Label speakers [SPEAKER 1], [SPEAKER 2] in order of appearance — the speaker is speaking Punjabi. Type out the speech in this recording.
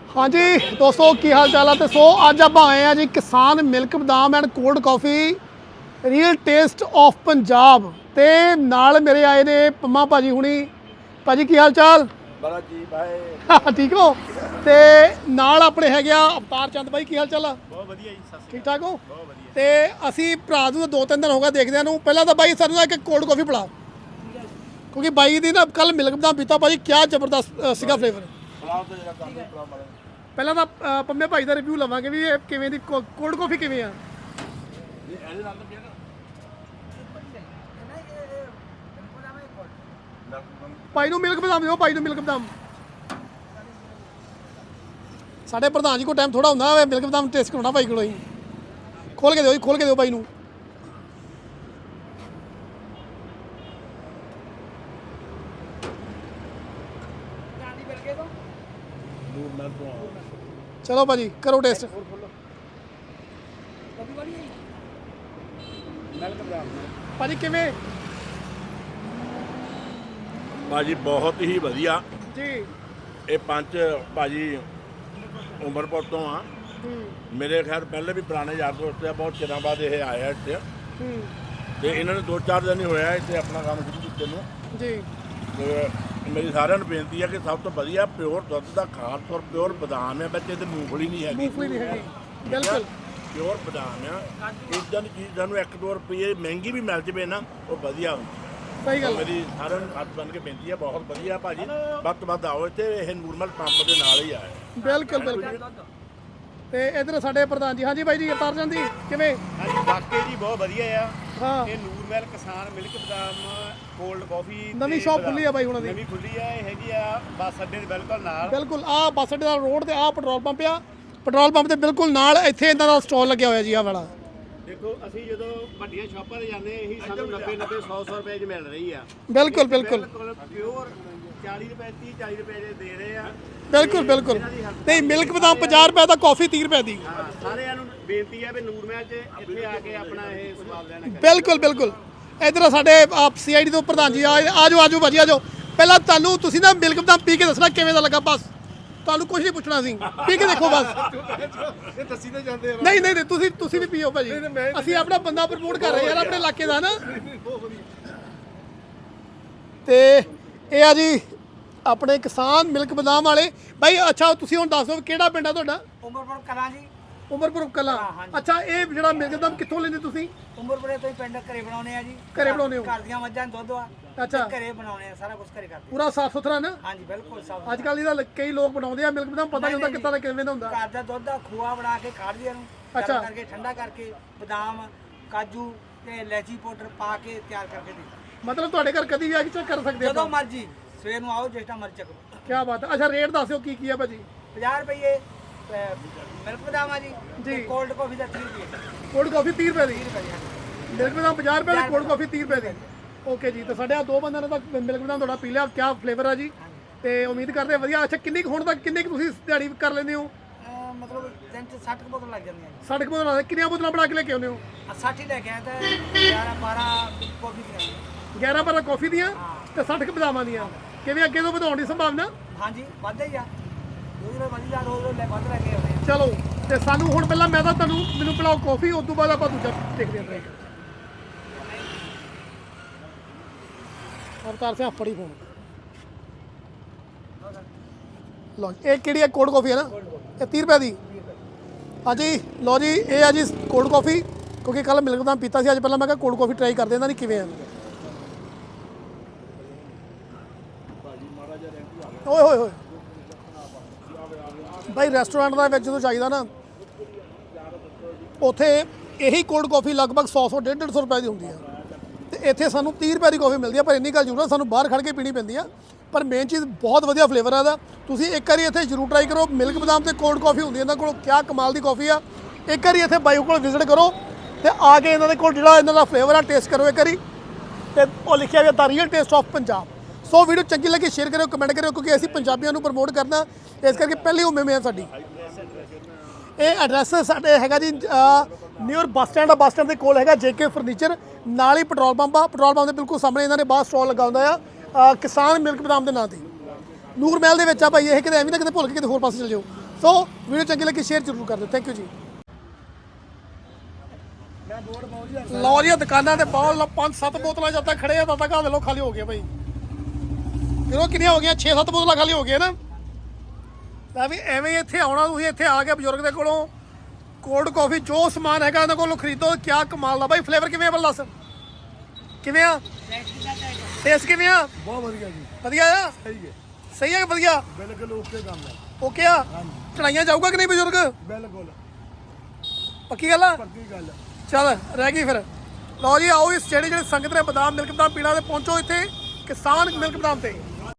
[SPEAKER 1] हाँ जी दोस्तों की हाल चाल है। तो सो अज आप आए हैं जी किसान milk badam and cold coffee real taste of Punjab ते नाल मेरे आए ने पम्मा भाजी हुणी। भाजी की हाल चाल?
[SPEAKER 2] बड़ा जी भाई
[SPEAKER 1] ठीक हो? ते नाल अपने है अवतार चंद भाई की हाल चाल?
[SPEAKER 2] बहुत बढ़िया जी। सत
[SPEAKER 1] ठीक ठाक हो?
[SPEAKER 2] बहुत बढ़िया।
[SPEAKER 1] ते असी भरा नूं 2-3 दिन हो गए देखदे नूं। पहला तो भाई सानूं एक कोल्ड कॉफ़ी पिला क्योंकि बाई दी ना कल मिल्क बदाम पीता भाजी क्या जबरदस्त सीगा फ्लेवर।
[SPEAKER 2] ਪਲਾਉ ਤੇ ਜਿਹੜਾ ਕੰਮ ਪਲਾਉ ਮਾਰੇ
[SPEAKER 1] ਪਹਿਲਾਂ ਤਾਂ ਪੰਮੇ ਭਾਈ ਦਾ ਰਿਵਿਊ ਲਵਾਂਗੇ ਵੀ ਇਹ ਕਿਵੇਂ ਦੀ ਕੋਲਡ ਕਾਫੀ ਕਿਵੇਂ ਆ।
[SPEAKER 2] ਇਹ ਇਹਦੇ ਨਾਲ ਤਾਂ ਪਿਆ ਨਾ
[SPEAKER 1] ਭਾਈ ਨੂੰ ਮਿਲਕ ਬਦਾਮ ਦਿਓ, ਭਾਈ ਨੂੰ ਮਿਲਕ ਬਦਾਮ। ਸਾਡੇ ਪ੍ਰਧਾਨ ਜੀ ਕੋਲ ਟਾਈਮ ਥੋੜਾ ਹੁੰਦਾ ਵੇ ਮਿਲਕ ਬਦਾਮ ਟੇਸਟ ਕਰਾਉਣਾ ਭਾਈ ਕੋਲੋਂ ਹੀ। ਖੋਲ ਕੇ ਦਿਓ ਜੀ, ਖੋਲ ਕੇ ਦਿਓ ਭਾਈ ਨੂੰ।
[SPEAKER 2] ਨੂਰ ਨਾਲ ਤੋਂ
[SPEAKER 1] ਚਲੋ ਭਾਜੀ ਕਰੋ ਟੇਸਟ।
[SPEAKER 2] ਮਿਲਕ ਬਦਾਮ
[SPEAKER 1] ਭਾਜੀ ਕਿਵੇਂ
[SPEAKER 2] ਭਾਜੀ ਬਹੁਤ ਹੀ ਵਧੀਆ।
[SPEAKER 1] ਜੀ?
[SPEAKER 2] ਇਹ ਪੰਜ ਭਾਜੀ ਉਮਰਪੁਰ ਤੋਂ ਆ। ਮੇਰੇ ਖੈਰ ਪਹਿਲੇ ਵੀ ਪੁਰਾਣੇ ਯਾਰ ਦੋਸਤ ਆ, ਬਹੁਤ ਚਿਰਾਂ ਬਾਅਦ ਇਹ ਆਏ ਆ ਇੱਥੇ ਤੇ ਇਹਨਾਂ ਨੇ 2-4 ਦਿਨ ਹੀ ਹੋਇਆ ਇੱਥੇ ਆਪਣਾ ਕੰਮ ਸ਼ੁਰੂ ਕੀਤੇ ਨੂੰ।
[SPEAKER 1] ਜੀ
[SPEAKER 2] ਤੇ ਮੇਰੀ ਸਾਰਿਆਂ ਨੂੰ ਬੇਨਤੀ ਹੈ ਕਿ ਸਭ ਤੋਂ ਵਧੀਆ ਪਿਓਰ ਦੁੱਧ ਦਾ ਖਾਸ ਔਰ ਪਿਓਰ ਬਦਾਮ ਹੈ। ਬੱਚੇ ਤੇ ਮੂੰਗਫਲੀ ਨਹੀਂ ਹੈਗੀ,
[SPEAKER 1] ਮੂੰਗਫਲੀ ਨਹੀਂ ਹੈਗੀ, ਬਿਲਕੁਲ
[SPEAKER 2] ਪਿਓਰ ਬਦਾਮ ਆ। ਇਦਾਂ ਦੀ ਚੀਜ਼ ਸਾਨੂੰ 1-2 ਰੁਪਏ ਮਹਿੰਗੀ ਵੀ ਮਿਲ ਜਵੇ ਨਾ ਉਹ ਵਧੀਆ ਹੁੰਦੀ।
[SPEAKER 1] ਸਹੀ ਗੱਲ।
[SPEAKER 2] ਮੇਰੀ ਸਾਰਿਆਂ ਨੂੰ ਹੱਥ ਬੰਨ੍ਹ ਕੇ ਬੇਨਤੀ ਹੈ, ਬਹੁਤ ਵਧੀਆ ਭਾਜੀ, ਵੱਧ ਤੋਂ ਵੱਧ ਆਓ ਇੱਥੇ। ਇਹ ਨੂਰਮਲ ਪੰਪ ਦੇ ਨਾਲ ਹੀ ਆਏ।
[SPEAKER 1] ਬਿਲਕੁਲ ਬਿਲਕੁਲ। ਤੇ ਇਧਰ ਸਾਡੇ ਪ੍ਰਧਾਨ ਜੀ। ਹਾਂਜੀ ਬਾਈ ਜੀ ਅਵਤਾਰ ਚੰਦ ਜੀ ਕਿਵੇਂ?
[SPEAKER 3] ਹਾਂਜੀ ਵਾਕਈ ਜੀ ਬਹੁਤ ਵਧੀਆ ਆ।
[SPEAKER 1] ਹਾਂ
[SPEAKER 3] ਇਹ ਨੂਰਮਹਿਲ ਕਿਸਾਨ ਮਿਲਕ ਬਦਾਮ ਕੋਲਡ ਕਾਫੀ
[SPEAKER 1] ਨਵੀਂ ਸ਼ਾਪ ਖੁੱਲੀ ਆ ਬਾਈ ਉਹਨਾਂ ਦੀ।
[SPEAKER 3] ਨਵੀਂ ਖੁੱਲੀ ਆ। ਇਹ ਹੈਗੀ ਆ ਬੱਸ ਅੱਡੇ ਦੇ ਬਿਲਕੁਲ ਨਾਲ।
[SPEAKER 1] ਬਿਲਕੁਲ ਆਹ ਬੱਸ ਅੱਡੇ ਦਾ ਰੋਡ ਤੇ ਆਹ ਪੈਟਰੋਲ ਪੰਪ ਆ। ਪੈਟਰੋਲ ਪੰਪ ਦੇ ਬਿਲਕੁਲ ਨਾਲ ਇੱਥੇ ਇਹਨਾਂ ਦਾ ਸਟਾਲ ਲੱਗਿਆ ਹੋਇਆ ਜੀ ਆਹ ਵਾਲਾ।
[SPEAKER 3] ਦੇਖੋ ਅਸੀਂ ਜਦੋਂ ਵੱਡੀਆਂ ਸ਼ਾਪਾਂ ਤੇ ਜਾਂਦੇ ਇਹੀ ਸਾਨੂੰ 90 100 ਰੁਪਏ 'ਚ ਮਿਲ ਰਹੀ ਆ।
[SPEAKER 1] ਬਿਲਕੁਲ ਬਿਲਕੁਲ
[SPEAKER 3] ਪਿਓਰ 40 ਰੁਪਏ 30-40 ਰੁਪਏ ਦੇ ਰਹੇ ਆ।
[SPEAKER 1] ਬਿਲਕੁਲ ਬਿਲਕੁਲ। ਨਹੀਂ ਮਿਲਕ ਬਦਾਮ 50 ਰੁਪਏ ਦਾ, ਕਾਫੀ 30 ਰੁਪਏ ਦੀ।
[SPEAKER 3] ਹਾਂ ਸਾਰਿਆਂ ਨੂੰ ਬੇਨਤੀ ਹੈ ਵੀ ਨੂਰਮਹਿਲ 'ਚ ਇੱਥੇ ਆ ਕੇ ਆਪਣਾ ਇਹ ਸਵਾਦ ਲੈਣਾ।
[SPEAKER 1] ਬਿਲਕੁਲ ਬਿਲਕੁਲ। ਇਧਰ ਸਾਡੇ ਸੀਆਈਡੀ ਤੋਂ ਪ੍ਰਧਾਨ ਜੀ ਆਜੋ ਆਜੋ ਭਾਜੀ ਆਜੋ। ਪਹਿਲਾਂ ਤੁਹਾਨੂੰ ਤੁਸੀਂ ਨਾ ਮਿਲਕ ਬਦਾਮ ਪੀ ਕੇ ਦੱਸਣਾ ਕਿਵੇਂ ਦਾ ਲੱਗਾ। ਬਸ ਤੁਹਾਨੂੰ ਕੁਝ ਨਹੀਂ ਪੁੱਛਣਾ ਸੀ, ਪੀ ਕੇ ਦੇਖੋ ਬਸ।
[SPEAKER 2] ਇਹ ਦੱਸੀ ਤਾਂ ਜਾਂਦੇ ਆ।
[SPEAKER 1] ਨਹੀਂ ਨਹੀਂ ਤੁਸੀਂ ਵੀ ਪੀਓ ਭਾਜੀ। ਅਸੀਂ ਆਪਣਾ ਬੰਦਾ ਪ੍ਰਮੋਟ ਕਰ ਰਹੇ ਯਾਰ ਆਪਣੇ ਇਲਾਕੇ ਦਾ ਨਾ। ਤੇ ਇਹ ਆ ਜੀ ਆਪਣੇ ਕਿਸਾਨ ਮਿਲਕ ਬਦਾਮ ਵਾਲੇ ਭਾਈ। ਅੱਛਾ ਤੁਸੀਂ ਹੁਣ ਦੱਸ ਦਿਓ ਕਿਹੜਾ ਪਿੰਡ ਆ ਤੁਹਾਡਾ?
[SPEAKER 4] ਉਮਰਪੁਰ ਕਲਾਂ ਜੀ।
[SPEAKER 1] ਉਮਰਪੁਰ ਕਲਾਂ। ਅੱਛਾ ਇਹ ਜਿਹੜਾ ਮਿਲਕ ਬਦਾਮ ਕਿੱਥੋਂ ਲੈਂਦੇ ਤੁਸੀਂ?
[SPEAKER 4] ਉਮਰਪੁਰੇ ਤੋਂ ਹੀ ਪਿੰਡ ਘਰੇ ਬਣਾਉਣੇ ਆ ਜੀ।
[SPEAKER 1] ਘਰੇ ਬਣਾਉਂਦੇ ਹੋ?
[SPEAKER 4] ਘਰ ਦੀਆਂ ਮੱਝਾਂ ਦਾ ਦੁੱਧ ਆ।
[SPEAKER 1] ਅੱਛਾ
[SPEAKER 4] ਘਰੇ ਬਣਾਉਣੇ ਆ, ਸਾਰਾ ਕੁਝ ਘਰੇ ਕਰਦੇ।
[SPEAKER 1] ਪੂਰਾ ਸਾਫ ਸੁਥਰਾ ਨਾ?
[SPEAKER 4] ਹਾਂਜੀ ਬਿਲਕੁਲ ਸਾਫ।
[SPEAKER 1] ਅੱਜ ਕੱਲ੍ਹ ਇਹਦਾ ਕਈ ਲੋਕ ਬਣਾਉਂਦੇ ਆ ਮਿਲਕ ਬਦਾਮ, ਪਤਾ ਨਹੀਂ ਹੁੰਦਾ ਕਿੱਦਾਂ ਦਾ ਕਿਵੇਂ ਦਾ ਹੁੰਦਾ।
[SPEAKER 4] ਘਰ ਦਾ ਦੁੱਧ ਦਾ ਖੋਆ ਬਣਾ ਕੇ ਕਾੜ੍ਹਦੇ ਨੂੰ
[SPEAKER 1] ਅੱਛਾ।
[SPEAKER 4] ਗਰਮ ਕਰਕੇ ਠੰਡਾ ਕਰਕੇ ਬਦਾਮ ਕਾਜੂ ਤੇ ਇਲਾਇਚੀ ਪਾਊਡਰ ਪਾ ਕੇ ਤਿਆਰ ਕਰਕੇ ਦੇ।
[SPEAKER 1] ਮਤਲਬ ਤੁਹਾਡੇ ਘਰ ਕਦੀ ਵੀ ਆ ਕੇ ਚੈੱਕ ਕਰ ਸਕਦੇ
[SPEAKER 4] ਜਦੋਂ
[SPEAKER 1] ਆਪਾਂ?
[SPEAKER 4] ਮਰਜੀ ਸਵੇਰ ਨੂੰ ਆਓ, ਜਿਸ ਟਾਈਮ ਮਰਜੀ ਚੱਕੋ।
[SPEAKER 1] ਕੀ ਬਾਤ ਹੈ। ਅੱਛਾ ਰੇਟ ਦੱਸਿਓ ਕੀ ਆ ਭਾਜੀ?
[SPEAKER 4] 50 ਰੁਪਏ ਮਿਲਕ ਬਦਾਮ ਆ ਜੀ।
[SPEAKER 1] ਜੀ।
[SPEAKER 4] ਕੋਲਡ ਕਾਫੀ ਦਾ 30 ਰੁਪਏ।
[SPEAKER 1] ਕੋਲਡ ਕਾਫੀ 30 ਰੁਪਏ ਦੀ।
[SPEAKER 4] 30 ਰੁਪਏ।
[SPEAKER 1] ਮਿਲਕ ਬਦਾਮ 50 ਰੁਪਏ ਦੀ, ਕੋਲਡ ਕਾਫੀ 30 ਰੁਪਏ ਦੀ। ਓਕੇ ਜੀ। ਤਾਂ ਸਾਡੇ ਆ ਦੋ ਬੰਦਿਆਂ ਨੇ ਤਾਂ ਮਿਲਕ ਬਦਾਮ ਤੁਹਾਡਾ ਪੀ ਲਿਆ। ਕਿਆ ਫਲੇਵਰ ਆ ਜੀ। ਤੇ ਉਮੀਦ ਕਰਦੇ ਆ ਵਧੀਆ। ਅੱਛਾ ਕਿੰਨੀ ਕੁ ਹੁਣ ਤੱਕ ਕਿੰਨੀ ਕੁ ਤੁਸੀਂ ਦਿਹਾੜੀ ਕਰ ਲੈਂਦੇ ਹੋ?
[SPEAKER 4] ਮਤਲਬ ਦਿਨ 'ਚ 60 ਕੁ ਬੋਤਲ ਲੱਗ ਜਾਂਦੀਆਂ ਜੀ।
[SPEAKER 1] 60 ਬੋਤਲਾਂ ਕਿੰਨੀਆਂ ਬੋਤਲਾਂ ਬਣਾ ਕੇ ਲੈ ਕੇ ਆਉਂਦੇ ਹੋ?
[SPEAKER 4] 60 ਹੀ ਲੈ ਕੇ ਆਇਆ ਤਾਂ 11-12 ਕਾਫੀ ਦੀਆਂ।
[SPEAKER 1] 11-12 ਕਾਫੀ ਦੀਆਂ ਤੇ 60 ਬਦਾਮਾਂ ਦੀਆਂ। ਕਿਵੇਂ ਅੱਗੇ ਤੋਂ ਵਧਾਉਣ ਦੀ ਸੰਭਾਵਨਾ?
[SPEAKER 4] ਹਾਂਜੀ ਵੱਧਦਾ ਹੀ ਆ। ਰੋਜ਼ ਵਧੀ ਜਾ, ਰੋਜ਼ ਲੈ ਵੱਧ ਲੈ ਕੇ ਆਉਂਦੇ ਆ।
[SPEAKER 1] ਚਲੋ ਤੇ ਸਾਨੂੰ ਹੁਣ ਪਹਿਲਾਂ ਮੈਂ ਤਾਂ ਮੈਨੂੰ ਪਿਲਾਓ ਕਾਫੀ, ਉਸ ਤੋਂ ਬਾਅਦ ਆਪਾਂ ਦੂਜਾ ਦੇਖਦੇ ਹਾਂ। ਅਵਤਾਰ ਸਿੰਘ ਫੜੀ ਫੋਨ ਲਓ। ਇਹ ਕਿਹੜੀ ਹੈ? ਕੋਲਡ ਕਾਫੀ ਹੈ ਨਾ? ਇਹ 30 ਰੁਪਏ ਦੀ। ਹਾਂਜੀ ਲਓ ਜੀ ਇਹ ਆ ਜੀ ਕੋਲਡ ਕਾਫੀ। ਕਿਉਂਕਿ ਕੱਲ ਮਿਲਕ ਬਦਾਮ ਪੀਤਾ ਸੀ, ਅੱਜ ਪਹਿਲਾਂ ਮੈਂ ਕਿਹਾ ਕੋਲਡ ਕਾਫੀ ਟਰਾਈ ਕਰਦੇ ਇਹਨਾਂ ਦੀ ਕਿਵੇਂ ਆ। ਓਏ ਹੋਏ ਹੋਏ ਭਾਈ ਰੈਸਟੋਰੈਂਟ ਦੇ ਵਿੱਚ ਜਦੋਂ ਚਾਹੀਦਾ ਨਾ ਉੱਥੇ ਇਹੀ ਕੋਲਡ ਕਾਫੀ ਲਗਭਗ 100-150 ਰੁਪਏ ਦੀ ਹੁੰਦੀ ਆ ਤੇ ਇੱਥੇ ਸਾਨੂੰ 30 ਰੁਪਏ ਦੀ ਕਾਫੀ ਮਿਲਦੀ ਆ। ਪਰ ਇੰਨੀ ਗੱਲ ਜ਼ਰੂਰ ਆ ਸਾਨੂੰ ਬਾਹਰ ਖੜ ਕੇ ਪੀਣੀ ਪੈਂਦੀ ਆ। ਪਰ ਮੇਨ ਚੀਜ਼ ਬਹੁਤ ਵਧੀਆ ਫਲੇਵਰ ਆ ਇਹਦਾ। ਤੁਸੀਂ ਇੱਕ ਵਾਰੀ ਇੱਥੇ ਜ਼ਰੂਰ ਟਰਾਈ ਕਰੋ। ਮਿਲਕ ਬਦਾਮ ਤੇ ਕੋਲਡ ਕਾਫੀ ਹੁੰਦੀ ਇਹਨਾਂ ਕੋਲ, ਕਿਆ ਕਮਾਲ ਦੀ ਕਾਫੀ ਆ। ਇੱਕ ਵਾਰੀ ਇੱਥੇ ਬਾਈ ਕੋਲ ਵਿਜ਼ਿਟ ਕਰੋ ਤੇ ਆ ਕੇ ਇਹਨਾਂ ਦੇ ਕੋਲ ਜਿਹੜਾ ਇਹਨਾਂ ਦਾ ਫਲੇਵਰ ਆ ਟੇਸਟ ਕਰੋ ਇੱਕ ਵਾਰੀ। ਤੇ ਉਹ ਲਿਖਿਆ ਹੋਇਆ ਦਾ real taste of Punjab. So video ਚੰਗੀ ਲੱਗੀ ਸ਼ੇਅਰ ਕਰਿਓ, ਕਮੈਂਟ ਕਰਿਓ ਕਿਉਂਕਿ ਅਸੀਂ ਪੰਜਾਬੀਆਂ ਨੂੰ ਪ੍ਰਮੋਟ ਕਰਨਾ, ਇਸ ਕਰਕੇ ਪਹਿਲੀ ਉਮੀਦ ਹੈ ਸਾਡੀ। ਇਹ ਐਡਰੈਸ ਸਾਡੇ ਹੈਗਾ ਜੀ ਨਿਊਰ ਬੱਸ ਸਟੈਂਡ ਦੇ ਕੋਲ ਹੈਗਾ JK ਫਰਨੀਚਰ, ਨਾਲ ਹੀ ਪੈਟਰੋਲ ਪੰਪ ਆ। ਪੈਟਰੋਲ ਪੰਪ ਦੇ ਬਿਲਕੁਲ ਸਾਹਮਣੇ ਇਹਨਾਂ ਨੇ ਬਾਹਰ ਸਟਾਲ ਲਗਾ ਹੁੰਦਾ ਆ ਕਿਸਾਨ ਮਿਲਕ ਬਦਾਮ ਦੇ ਨਾਂ ਤੇ। ਨੂਰ ਮਹਿਲ ਦੇ ਵਿੱਚ ਆ ਭਾਈ ਇਹ, ਕਿਤੇ ਐਵੇਂ ਨਾ ਕਿਤੇ ਭੁੱਲ ਕੇ ਕਿਤੇ ਹੋਰ ਪਾਸੇ ਚਲ ਜਾਓ। ਸੋ ਵੀਡੀਓ ਚੰਗੀ ਲੱਗੀ ਸ਼ੇਅਰ ਜ਼ਰੂਰ ਕਰ ਦਿਓ। ਥੈਂਕ ਯੂ ਜੀ। ਲਓ ਜੀ ਦੁਕਾਨਾਂ ਤੇ ਬਹੁਤ 5-7 ਬੋਤਲਾਂ ਜਦ ਤੱਕ ਖੜੇ ਆ ਤਦ ਤੱਕ ਆ ਲੋ ਖਾਲੀ ਹੋ ਗਿਆ ਭਾਈ। ਕਿਉਂ ਕਿੰਨੀਆਂ ਹੋ ਗਈਆਂ 6-7 ਬੋਤਲਾਂ ਖਾਲੀ ਹੋ ਗਈਆਂ ਨਾ। ਤਾਂ ਵੀ ਐਵੇਂ ਹੀ ਇੱਥੇ ਆਉਣਾ ਤੁਸੀਂ ਇੱਥੇ ਆ ਕੇ ਬਜ਼ੁਰਗ ਦੇ ਕੋਲੋਂ ਕੋਲਡ ਕਾਫੀ ਜੋ ਸਮਾਨ ਹੈਗਾ ਇਹਨਾਂ ਕੋਲੋਂ ਖਰੀਦੋ। ਕਿਆ ਕਮਾਲ ਦਾ ਭਾਈ ਫਲੇਵਰ ਕਿਵੇਂ ਆ ਬਲ ਦੱਸ ਕਿਵੇਂ ਆ ਟੇਸਟ ਕਿਵੇਂ ਆ?
[SPEAKER 5] ਬਹੁਤ ਵਧੀਆ ਜੀ।
[SPEAKER 1] ਵਧੀਆ ਆ ਸਹੀ ਹੈ ਵਧੀਆ
[SPEAKER 5] ਬਿਲਕੁਲ ਓਕੇ ਕੰਮ ਹੈ।
[SPEAKER 1] ਓਕੇ ਆ ਚੜਾਈਆਂ ਜਾਊਗਾ ਕਿ ਨਹੀਂ ਬਜ਼ੁਰਗ?
[SPEAKER 5] ਬਿਲਕੁਲ
[SPEAKER 1] ਪੱਕੀ ਗੱਲ ਆ
[SPEAKER 5] ਪੱਕੀ ਗੱਲ।
[SPEAKER 1] ਚੱਲ ਰਹਿ ਗਈ ਫਿਰ। ਲਓ ਜੀ ਆਓ ਇਸ ਜਿਹੜੇ ਸੰਗਤ ਨੇ ਬਦਾਮ ਮਿਲਕ ਬਦਾਮ ਪੀਣਾ ਤੇ ਪਹੁੰਚੋ ਇੱਥੇ ਕਿਸਾਨ ਮਿਲਕ ਬਦਾਮ ਤੇ।